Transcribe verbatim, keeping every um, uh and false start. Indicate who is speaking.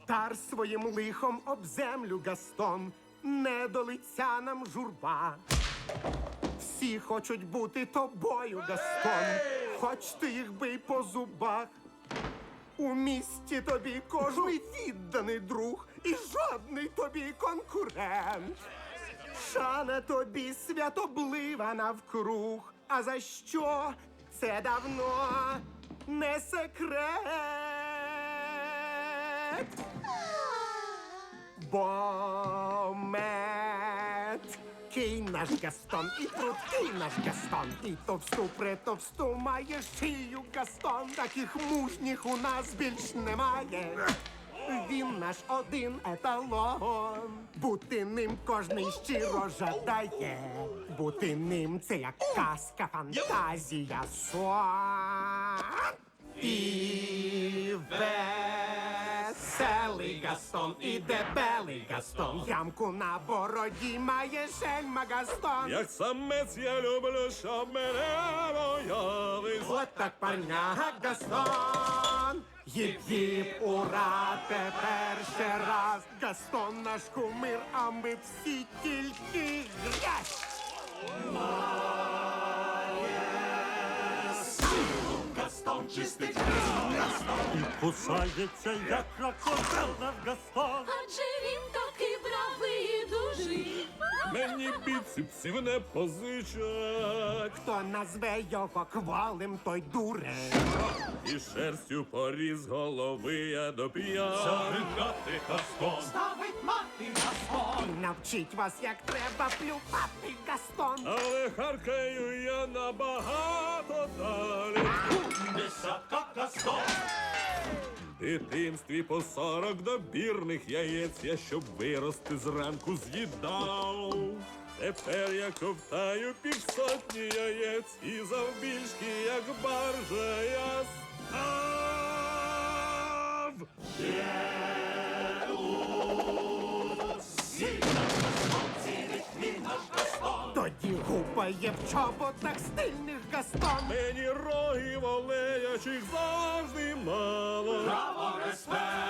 Speaker 1: Втар своїм лихом об землю, Гастон, не до лиця нам журба. Всі хочуть бути тобою, Гастон, хоч ти їх бий по зубах. У місті тобі кожний відданий друг і жодний тобі конкурент. Шана тобі святоблива навкруг, а за що це давно не секрет. Бо меткий наш Гастон, і прудкий наш Гастон, і товсту притовсту має шию Гастон, таких мужніх у нас більш немає. Він наш один еталон, бути ним кожний щиро жадає. Бути ним це як казка, фантазія, сон. І веселий Гастон, і дебелий Гастон, ямку на бороді має шельма Гастон.
Speaker 2: Як самець я люблю, щоб мене боялись.
Speaker 1: От так парняга Гастон. Їп-їп, ура, тепер ще раз. Гастон наш кумир, а ми всі тільки грязь.
Speaker 2: Гастон чистить Гастон. І кусається, як крокодил наш Гастон.
Speaker 3: Адже він такий бравий і дужий.
Speaker 2: Мені біцепсів не позичать.
Speaker 1: Хто назве його кволим, той дурень.
Speaker 2: І шерстю поріз голови я до п'ят. Завигати Гастон.
Speaker 1: Ставить мати Гастон. І навчить вас, як треба плювати, Гастон.
Speaker 2: Але харкаю я набагато далі. Десятка Гастон. В дитинстві по сорок добірних яєць я, щоб вирости зранку, з'їдав. Тепер я ковтаю півсотні яєць і завбільшки, як баржа, я став.
Speaker 1: Тоді гупає в чоботах стильних Гастон.
Speaker 2: Мені рогів олеячих завжди мало.
Speaker 4: Браво, респект!